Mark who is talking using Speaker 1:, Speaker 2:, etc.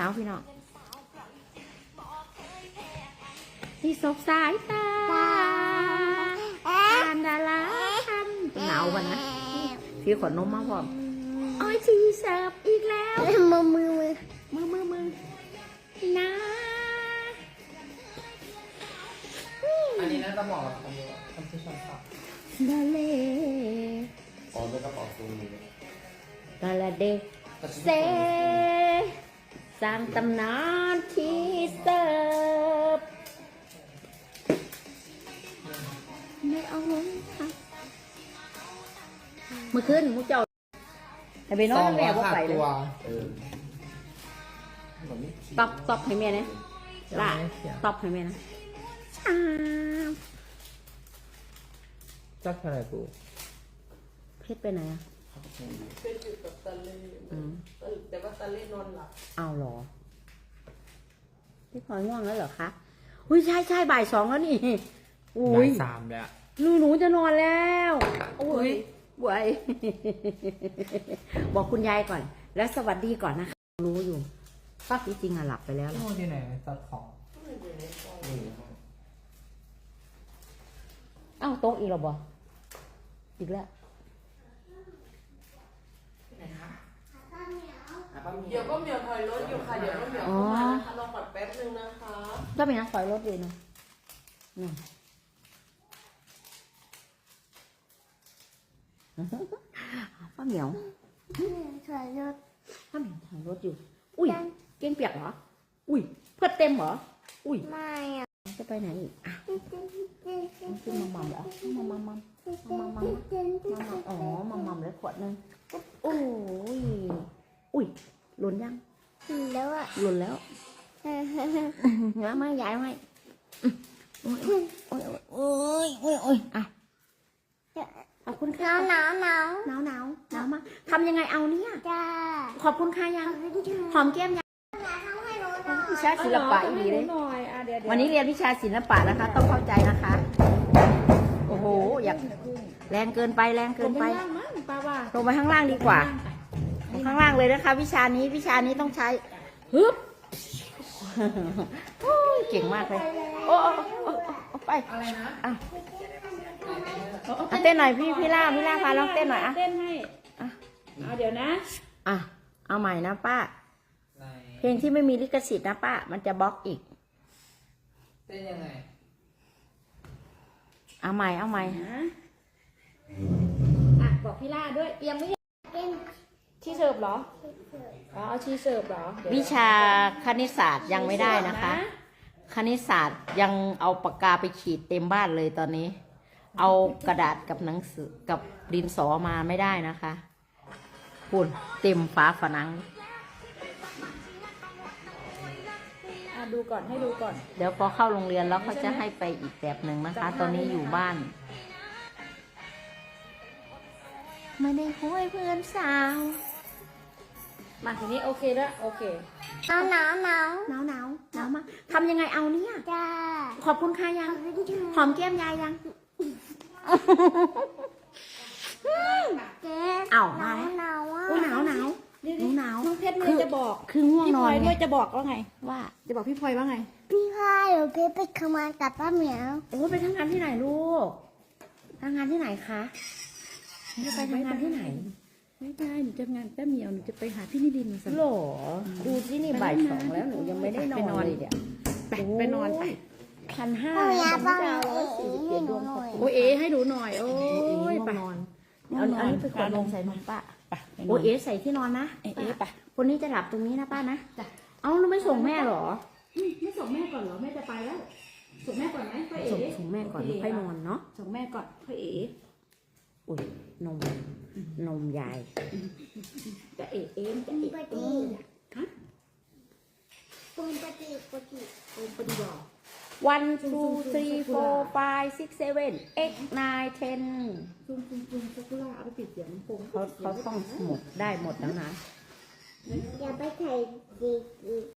Speaker 1: าวพี่น้องที่ศพสายตาการดาราทำหนาววันนะพี่ขอนมมาพร้อมอ้อยชีเสิร์ฟอีกแล้วมือนะ
Speaker 2: อันนี้น่าจะเหมาะกับคำที่ชอบชอบ
Speaker 1: ดาเล
Speaker 3: อ๋อเป็นกระเป๋าซูม
Speaker 1: ดาลาเดเซสร้างตำนานที่เสิร์ฟไม่เอาลงค่ะเมื่อคืนมุกเจ้าให้ไปนอนแม่บ่ไปเลย
Speaker 3: เออ
Speaker 1: ตอบให้แม่นะล่ะตอบให้แม่นะชา
Speaker 2: จักเท่าไหร่กู
Speaker 1: เพชรไปไหนอ่ะ
Speaker 4: เป็นอยู่กับตาเล่แต่ว่าตาเล่นอนหลับ
Speaker 1: เอาเหรอพี่พลอยง่วงแล้วเหรอคะอุ้ยใช่บ่าย 2แล้วนี่อุ้
Speaker 2: บ่าย ย 3แล้ว
Speaker 1: หนูจะนอนแล้วอุ้ยบวย บอกคุณยายก่อน แล้วสวัสดีก่อนนะคะรู้อยู่ป้าจริงๆอะหลับไปแล้ว
Speaker 2: โน่นที่ไหนตัดของ
Speaker 1: เอ้าโต๊ะอีกแล้วบ่อีกแล้ว
Speaker 4: เดี๋ยวก็เหมียวถอยรถอยู่ค่ะเดี๋ยวก็เหมียวเข้ามานะคะรอก่อนแป๊บนึงนะคะ
Speaker 1: ก็เป็นนักถอยรถอยู่นะนี่ป้าเหมียว
Speaker 5: ถอยรถ
Speaker 1: ป้าเหมียวถอยรถอยู่ อุ้ยเก้งเปียกเหรอ อุ้ยเพื่อเต็มเหรอ อุ้ย
Speaker 5: ไม่อ่ะ
Speaker 1: จะไปไหนอีกอ่ะขึ้นมัมเหรอมัมอ๋อมัมเลยขวดนึงโอ้ยอุ้ยหล่นยัง
Speaker 5: แล้วอ่ะ
Speaker 1: หล่นแล้วงั้นไม่ยายไม่โอ้ยอ่ะขอบคุณค่ะ
Speaker 5: หนาว
Speaker 1: หนาวมากทำยังไงเอาเนี่ย
Speaker 5: จ้า
Speaker 1: ขอบคุณค่ะยังหอมแก้มยังวิชาศิลปะดีเลยวันนี้เรียนวิชาศิลปะนะคะ ต้องเข้าใจนะคะ โอ้โหอยากแรงเกินไปลงไปข้างล่างดีกว่าลงข้างล่างเลยนะคะ วิชานี้ต้องใช้ฮึบเก่งมากเลยโอ้ไป
Speaker 2: อะไรนะ
Speaker 1: อ่ะเต้นหน่อยพี่ล่าพาลองเต้นหน่อยอ่ะ
Speaker 4: เต้นให้เอาเดี๋ยวนะ
Speaker 1: อ่ะเอาใหม่นะป้า
Speaker 2: ไหน
Speaker 1: เพลงที่ไม่มีลิขสิทธิ์นะป้ามันจะบล็อกอีก
Speaker 2: เต้นยังไง
Speaker 1: เอาใหม่
Speaker 4: อ่ะบอกพี่ล่าด้วยยังไม่ชีเสิร์ฟเหรออ๋อเอาชีเสิร์ฟเหรอ
Speaker 1: วิชาคณิตศาสตร์ยังไม่ได้นะคะ คณิตศาสตร์ยังเอาปากกาไปขีดเต็มบ้านเลยตอนนี้ เอากระดาษกับหนังสือกับดินสอมาไม่ได้นะคะปุ่นเต็มฝาผนัง
Speaker 4: ดูก่อนให้ดูก่อน
Speaker 1: เดี๋ยวพอเข้าโรงเรียนแล้วเขาจะให้ไปอีกแบบหนึ่งนะคะ ตอนนี้อยู่บ้านไม่ได้คุยเพื่อนสาว
Speaker 4: มาทีนี้โอเคแล้วโอเค
Speaker 5: หนาว
Speaker 1: หนาวมากทำยังไงเอาเนี่ย
Speaker 5: จ้า
Speaker 1: ขอบคุณค่ะยังหอมแก้มยายยัง
Speaker 5: เจ๊
Speaker 1: เอามา
Speaker 5: หนาวอ่ะ
Speaker 1: โอ้หนาวหนาว
Speaker 4: น้องเพชรเลยจะบอก
Speaker 1: คือง่วง
Speaker 4: พี่
Speaker 1: น
Speaker 4: พ
Speaker 1: อ
Speaker 4: ลอน ย
Speaker 1: ไง
Speaker 4: ด้วยจะบอกว่าไง
Speaker 1: ว่า
Speaker 4: จะบอกพี่พลอยว่าไง
Speaker 5: พี่พายหนูไปทำงานกับป้าเหมียว
Speaker 1: โอ้ไปทำงานที่ไหนลูกทำงานที่ไหนคะจะไปทำงานที่ไหน
Speaker 4: ไม่ได้หนูจะงานแป๊บเดียวหนูจะไปหาพี่นิรินทร์มาสัก
Speaker 1: หรอดูที่นี่บ่าย 2แล้วหนูยังไม่ได้นอนเลยเนี่ย
Speaker 4: ไปนอนไป
Speaker 1: 1,500
Speaker 5: ป้าเหมียวป้าเหมี
Speaker 1: ดา
Speaker 5: ยว ว
Speaker 1: 147ดวง
Speaker 5: หน่อย
Speaker 4: โอเอให้หนูหน่อยโอ้ยไป
Speaker 1: นอนอันนี้ไปขวดนมใส่นมป้า
Speaker 4: ไป
Speaker 1: โอเอใส่ที่นอนนะ
Speaker 4: เอไป
Speaker 1: คนนี้จะหลับตรงนี้นะป้านะเอาเราไม่ส่งแม่หรอ
Speaker 4: ไม่ส่งแม่ก่อนเหรอแม่จะไปแล้วส่งแม่ก่อนไหมพ่อเอ๋
Speaker 1: ส่งแม่ก่อนแล้วค่อยนอนเนาะ
Speaker 4: ส่งแม่ก่อนพ่อเอ๋
Speaker 1: อุ้ยนมยาย
Speaker 4: จะเอ๋เองจะเอ๋
Speaker 5: ป
Speaker 4: เอ
Speaker 5: ฏิ
Speaker 4: งฮะ
Speaker 5: คุณปฏิ
Speaker 4: โอ้ปฏิบัติ
Speaker 1: 1 2 3 4 5 6 7 8 9 10
Speaker 4: ซุ่มสักุระเอาไปปิดเสียงโป่ง
Speaker 1: เขาต้องหมดได้หมดแล้วนะ
Speaker 5: อย่าไปใส่ดี